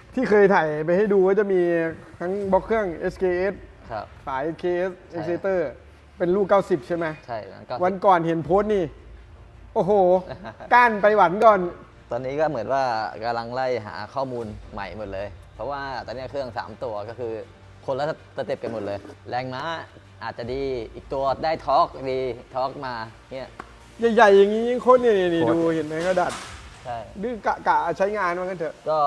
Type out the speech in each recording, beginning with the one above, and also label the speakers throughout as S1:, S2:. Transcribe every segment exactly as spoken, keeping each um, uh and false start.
S1: ที่เคยถ่ายไปให้ดูก็จะมีทั้งบล็อกเครื่อง เอส เค เอส
S2: ครับ
S1: ฝา เอส เค เอส Exciter เป็นลูกเก้าสิบใช่ไหม
S2: ใช่ก็
S1: วันก่อนเห็นโพสต์นี่ โอ้โห ก้านไปหวันก่อน
S2: ตอนนี้ก็เหมือนว่ากำลังไล่หาข้อมูลใหม่หมดเลย เพราะว่าตอนนี้เครื่องสามตัวก็คือคนละสเต็ปกันหมดเลย แรงม้าอาจจะดีอีกตัวได้ทอร์กดีทอร์กมาเนี่ย
S1: ใหญ่ๆอย่างนี้ยิ่งโคตรนี่นี่ดูเห็นไหมก็ดัด
S2: ใช่
S1: ดื้อกะกะใช้งานว่างั้นเถอะ
S2: ก็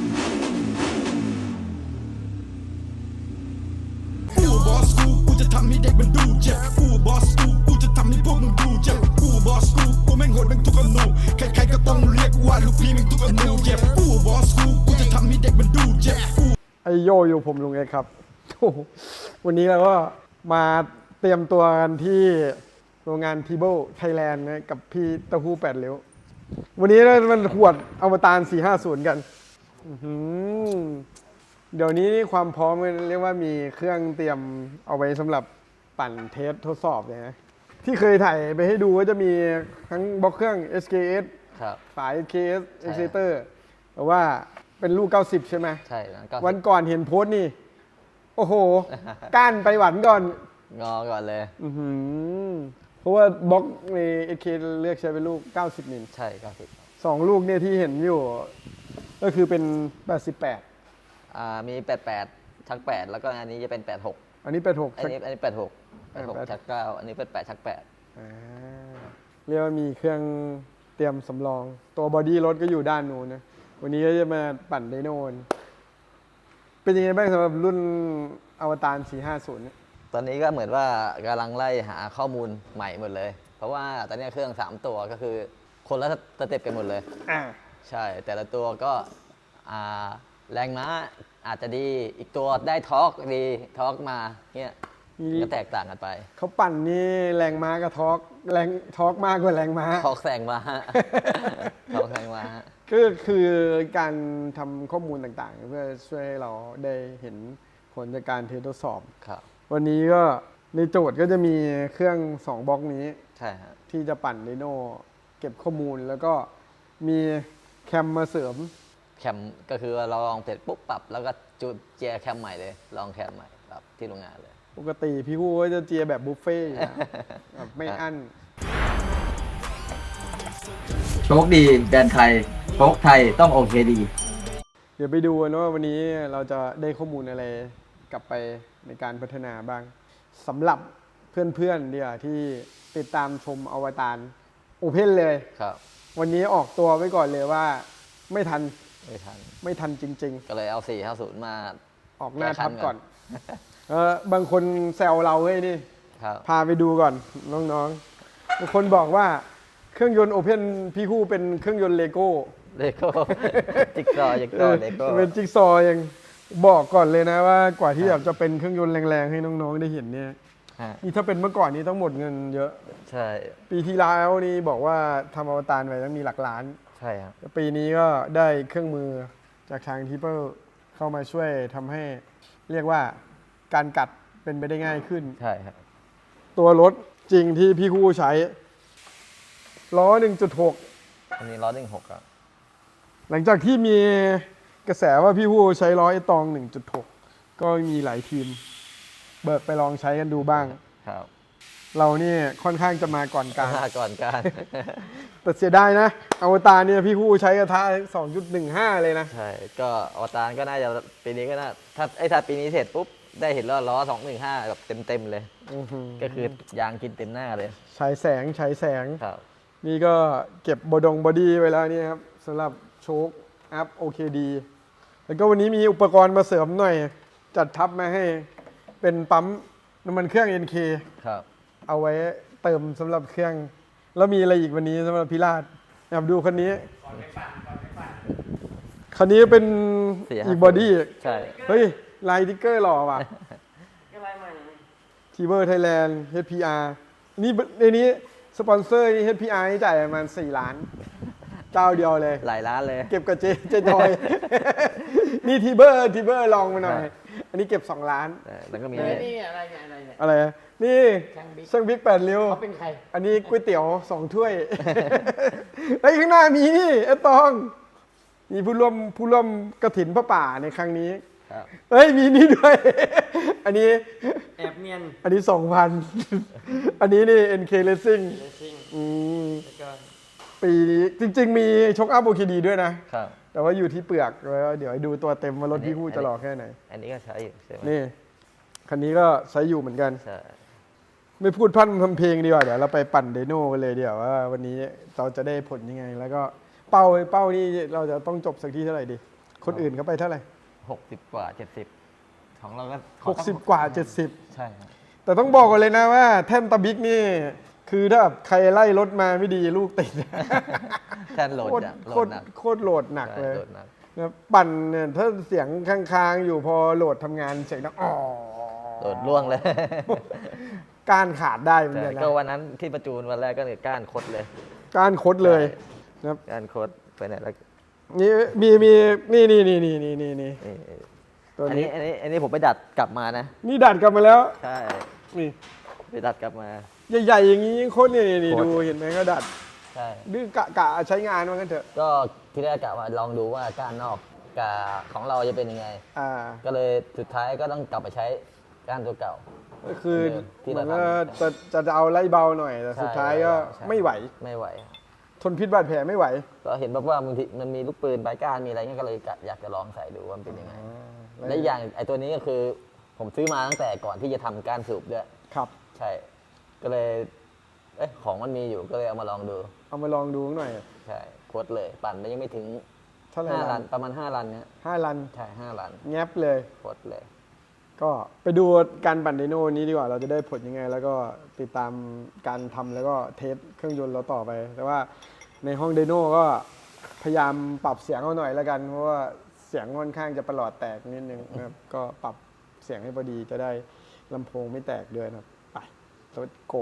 S3: กูบอสกูกูจะทำให้เด็กมันดูเจ็บกูบอสกูกูจะทำให้พวกมึงดูเจ็บกูบอสกูกูแม่งโหดแม่งทุกอนูใครๆก็ต้องเรียกว่าลูกพี่แม่งทุกอนูเจ็บกูบอสกูกูจะทำให้เด็กมันดูเจ็บกู
S1: ไอโยอยู่ผมลุงเอกครับโอ้โหวันนี้เราก็มาเตรียมตัวกันที่โรงงานทีเบิลไทยแลนด์นะกับพี่เต้าหู้แปดเลี้ยววันนี้มันขวดอวตารสี่ห้าศูนย์กันอื้อหือเดี๋ยวนี้ความพร้อมเรียกว่ามีเครื่องเตรียมเอาไว้สำหรับปั่นเทสทดสอบเลยนะที่เคยถ่ายไปให้ดูก็จะมีทั้งบล็อกเครื่อง เอส เค เอส
S2: ครับ
S1: ฝา เอส เค เอส Exciter แต่ว่าเป็นลูกเก้าสิบใช่ไหม
S2: ใช่ก็
S1: วันก่อนเห็นโพสต์นี่ โอ้โห ก้านไปหวันก่อน
S2: งอก่อนเลย
S1: อื้อหือเพราะว่าบล็อกใน เอส เค เลือกใช้เป็นลูกเก้าสิบมิล
S2: ใช่ก็สิบ
S1: สองลูกเนี่ยที่เห็นอยู่ ก็คือเป็นแปดสิบแปด
S2: อ่ามีแปดแปดชักแปดแล้วก็อันนี้จะเป็นแปดหก
S1: อันนี้แปดหก
S2: อันนี้อันนี้แปดหกแปดหกชักเก้าอันนี้เป็นแปดชักแปด
S1: อ่าเรียกว่ามีเครื่องเตรียมสำรอง ตัวบอดี้รถก็อยู่ด้านนู้นนะ วันนี้ก็จะมาปั่นไดโนนเป็นยังไงบ้างสำหรับรุ่นอวตารสี่ห้าศูนย์เนี่ย
S2: ตอนนี้ก็เหมือนว่ากำลังไล่หาข้อมูลใหม่หมดเลย เพราะว่าตอนนี้เครื่องสามตัวก็คือคนละสเต็ปกันหมดเลย
S1: อ่า
S2: ใช่แต่ละตัวก็อ่าแรงม้าอาจจะดีอีกตัวได้ทอร์กดีทอร์กมาเนี่ยก็แตกต่างกันไป
S1: เขาปั่นนี่แรงม้ากับทอร์กแรงทอร์กมากกว่าแรงม้า
S2: ทอร์กแซงมาทอร์กแซงมา
S1: ก็คือการทำข้อมูลต่างๆ เพื่อช่วยให้เราได้เห็นผลจากการเทสทดสอบ
S2: ครับ
S1: วันนี้ก็ในโจทย์ก็จะมีเครื่องสองบล็อกนี้
S2: ใช่ฮะ
S1: ที่จะปั่นไดโนเก็บข้อมูลแล้วก็มีแคมมาเสริม
S2: แคมก็คือเราลองเสร็จปุ๊บปรับแล้วก็จูเจียแคมใหม่เลยลองแคมใหม่ปรับที่โรงงานเลย
S1: ปกติพี่ฮู้ก็จะเจียแบบบุฟเฟ่ต์อยู่นะแบบไม่อั้น
S4: โชคดีแบรนด์ไทยโชคไทยต้องโอเคดี
S1: เดี๋ยวไปดูกันว่าวันนี้เราจะได้ข้อมูลอะไรกลับไปในการพัฒนาบ้างสำหรับเพื่อนๆเดียวที่ติดตามชมอวตารโอเพนเลย
S2: ครับ
S1: วันนี้ออกตัวไว้ก่อนเลยว่าไม่ทัน
S2: ไม่ทัน
S1: ไม่ทันจริง
S2: ก็เลยเอาสี่ห้าศูนย์มา
S1: ๆ ออกหน้าทับก่อน
S2: แก้ขั้น
S1: เออบางคนแซวเราเฮ้ยนี่
S2: ครับ
S1: พาไปดูก่อนน้องๆบางคนบอกว่าเครื่องยนต์โอเพนพี่คู่เป็นเครื่องยนต์เลโก้
S2: เลโก้จิ๊กซอว์จิ๊กซอว์เลโก้
S1: เป็นจิ๊กซอว์ยังบอกก่อนเลยนะว่ากว่าที่แบบจะเป็นเครื่องยนต์แรงๆให้น้องๆได้เห็นเนี่ย
S2: ฮะ
S1: นี่ถ้าเป็นเมื่อก่อนนี้ต้องหมดเงินเยอะ
S2: ใช่
S1: ปีที่แล้วนี่บอกว่าทำอวตารไปต้องมีหลักล้าน
S2: ใช่ครับ
S1: ปีนี้ก็ได้เครื่องมือจากทางทิปเปอร์เข้ามาช่วยทำให้เรียกว่าการกัดเป็นไปได้ง่ายขึ้น
S2: ใช่ครับ
S1: ตัวรถจริงที่พี่คู่ใช้ล้อ หนึ่งจุดหก
S2: อันนี้ร้อยหนึ่งหกครับ
S1: หลังจากที่มีกระแสว่าพี่คู่ใช้ล้อไอตอง หนึ่งจุดหก ก็มีหลายทีม เบิกไปลองใช้กันดูบ้าง
S2: ครับ
S1: เรานี่ค่อนข้างจะมาก่อนการ
S2: มาก่อนการ
S1: แต่เสียดายนะอวตารเนี่ยพี่คู่ใช้กระทะ สองจุดหนึ่งห้า เลยนะ
S2: ใช่ ก็อวตารก็น่าจะปีนี้ก็น่าถ้าไอ้ถ้าปีนี้เสร็จปุ๊บ ได้เห็นล้อล้อสองหนึ่งห้าแบบเต็มๆเลย
S1: อื้อหือ
S2: ก็คือยางกินเต็มหน้าเลย
S1: ฉายแสงฉายแสง
S2: ครับ
S1: นี่ก็เก็บบดงบอดี้ไว้แล้วนี่ครับสำหรับโชคอัพ โอ เค ดี แล้วก็วันนี้มีอุปกรณ์มาเสริมหน่อย จัดทับมาให้เป็นปั๊มน้ำมันเครื่อง เอ็น เค
S2: ครับ
S1: เอาไว้เติมสำหรับเครื่อง แล้วมีอะไรอีกวันนี้สำหรับพิราชอยากดูคันนี้คันนี้เป็น
S2: สี่ห้า
S1: อีกบอดี้
S2: ใช่
S1: เฮ้ยลายติ๊กเกอร์หล่อว่ะทีเบอร์ไทยแลนด์ เอช พี อาร์ นี่ในนี้สปอนเซอร์นี่ เอช พี อาร์ นี่จ่ายประมาณสี่ล้าน เจ้าเดียวเลย
S2: หลายล้านเลย
S1: เก็บกับเจเจจอย นี่ทีเบอร์ทีเบอร์ลองมาหน่อย อันนี้เก็บสองล้าน
S2: เออแล้วก็มี
S5: นี่อะไรเนี่ยอะไรเนี่ย
S1: อะไรอะนี่
S5: ช่างบิ๊ก
S1: ช่างบิ๊กแปดริ้ว
S5: เขาเป็นใคร
S1: อันนี้ก๋วยเตี๋ยวสองถ้วย ไอ้ยข้างหน้ามีนี่ไอ้ตองมีผู้ร่วมผู้ร่วมกฐินพระป่าในครั้งนี้
S2: ครับ
S1: เอ้ยมีนี่ด้วย อันนี้
S5: แอบเนียน
S1: อันนี้สองพัน อันนี้นี่ เอ็น เค Racing
S5: เลสซิ่ง
S1: อืม
S5: แล้วก็
S1: ปีนี้จริง ๆ มีชกอัพโอเคดีด้วยนะ
S2: ครับ
S1: แต่ว่าอยู่ที่เปลือกแล้วเดี๋ยวให้ดูตัวเต็มว่ารถ
S2: อันนี้
S1: พี่คู่จะหล่อแค่ไหน
S2: อันนี้ก็ใช้อยู่ใช่ไหม
S1: นี่ คันนี้ก็ใช้อยู่เหมือนกัน
S2: ใช่
S1: ไม่พูดพร่ำทำเพลงดีกว่า เดี๋ยวเราไปปั่นเดโน่กันเลยเดี๋ยวว่าวันนี้เราจะได้ผลยังไง แล้วก็เป้าเป้านี่เราจะต้องจบสักที่เท่าไหร่ดี คนอื่นเขาไปเท่าไหร่
S2: หกสิบกว่าเจ็ดสิบของเราก็
S1: หกสิบกว่าเจ็ดสิบ
S2: ใช่ครับ
S1: แต่ต้องบอกกันเลยนะว่าแท่นตะบิ๊กนี่ คือถ้าแบบใครไล่รถมาไม่ดีลูกติด
S2: แท่นโหลด
S1: โคตร
S2: อะโหล
S1: โค
S2: ด
S1: ตร
S2: หนัก
S1: โคตรโหลดหนัก
S2: ใช่
S1: เลย
S2: โหลดหนัก
S1: นะปั่นเนี่ยถ้าเสียงค้างๆอยู่พอโหลดทำงานเสียงดังอ๋อ
S2: โหลดล่วงเลย
S1: ก้านขาดได้เหมือน
S2: ใช่
S1: กันนะ
S2: ก็วันนั้นที่ประจูนวันแรกก็เนี่ยก้านคดเลย
S1: ก้านคดเลยนะครับ
S2: ก้านคดไปไหนแล้ว
S1: นี่มีมีนี่นี่นี่นี่นี่นี่นี่
S2: นี่
S1: ตัว
S2: อัน
S1: นี้
S2: นี้อันนี้อันนี้ผมไปดัดกลับมานะ
S1: นี่ดัดกลับมาแล้ว
S2: ใช่
S1: นี่
S2: ไปดัดกลับมา
S1: ใหญ่ๆอย่างนี้โคตรนี่นี่นี่
S2: โคตร
S1: ดูเห็นไหมก็ดัด
S2: ใช่
S1: ดื้อกะกะใช้งานว่างั้นเถอะ
S2: ก็ที่แรกกะว่าลองดูว่าก้านนอกกับของเราจะเป็นยังไง
S1: อ่า
S2: ก็เลยสุดท้ายก็ต้องกลับไปใช้ก้านตัวเก่า
S1: ก็คือ
S2: ที่
S1: เห
S2: เรา
S1: มือน
S2: ทำ
S1: ว่าจะจะเอาไล่เบาหน่อยแต่
S2: ใช่
S1: สุดท้ายก็
S2: ใช่
S1: ไม่ไหว
S2: ไม่ไหว
S1: ทนพิษบาดแผลไม่ไหว
S2: ก็เห็นแบบว่าบางทีมันมีลูกปืนปลายก้านมีอะไรเงี้ยก็เลยกะอยากจะลองใส่ดูว่ามันเป็นยังไง และอีกอย่างไอ้ตัวนี้ก็คือผมซื้อมาตั้งแต่ก่อนที่จะทำการสูบด้วย
S1: ครับ
S2: ใช่ ก็เลยเอ๊ะของมันมีอยู่ก็เลยเอามาลองดู
S1: เอามาลองดูหน่อย
S2: ใช่โคตรเลย ปั่นไปยังไม่ถึง
S1: เท่าไหร่
S2: ห้า
S1: ลั
S2: ลั
S1: น
S2: นประมาณห้าลันเนี้ย
S1: ห้าลัน
S2: ใช่ห้าลัน
S1: แงบเลย
S2: โคตรเลย
S1: ก็ไปดูการปั่นไดโน่นี้ดีกว่า เราจะได้ผลยังไง แล้วก็ติดตามการทำแล้วก็เทสเครื่องยนต์เราต่อไป แต่ว่าในห้องไดโน่ก็พยายามปรับเสียงเอาหน่อยแล้วกัน เพราะว่าเสียงค่อนข้างจะประหลอดแตกนิดนึงนะครับ ก็ปรับเสียงให้พอดีจะได้ลำโพงไม่แตกด้วยนะครับ ไปรถโก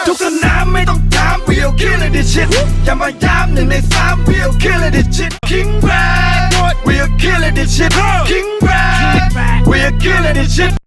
S3: ทุกสนามไม่ต้องถาม we'll kill it this shit อย่ามาย้ำหนึ่งในสาม we'll kill it this shit King Brad we'll kill it this shit King Brad we'll kill it this shit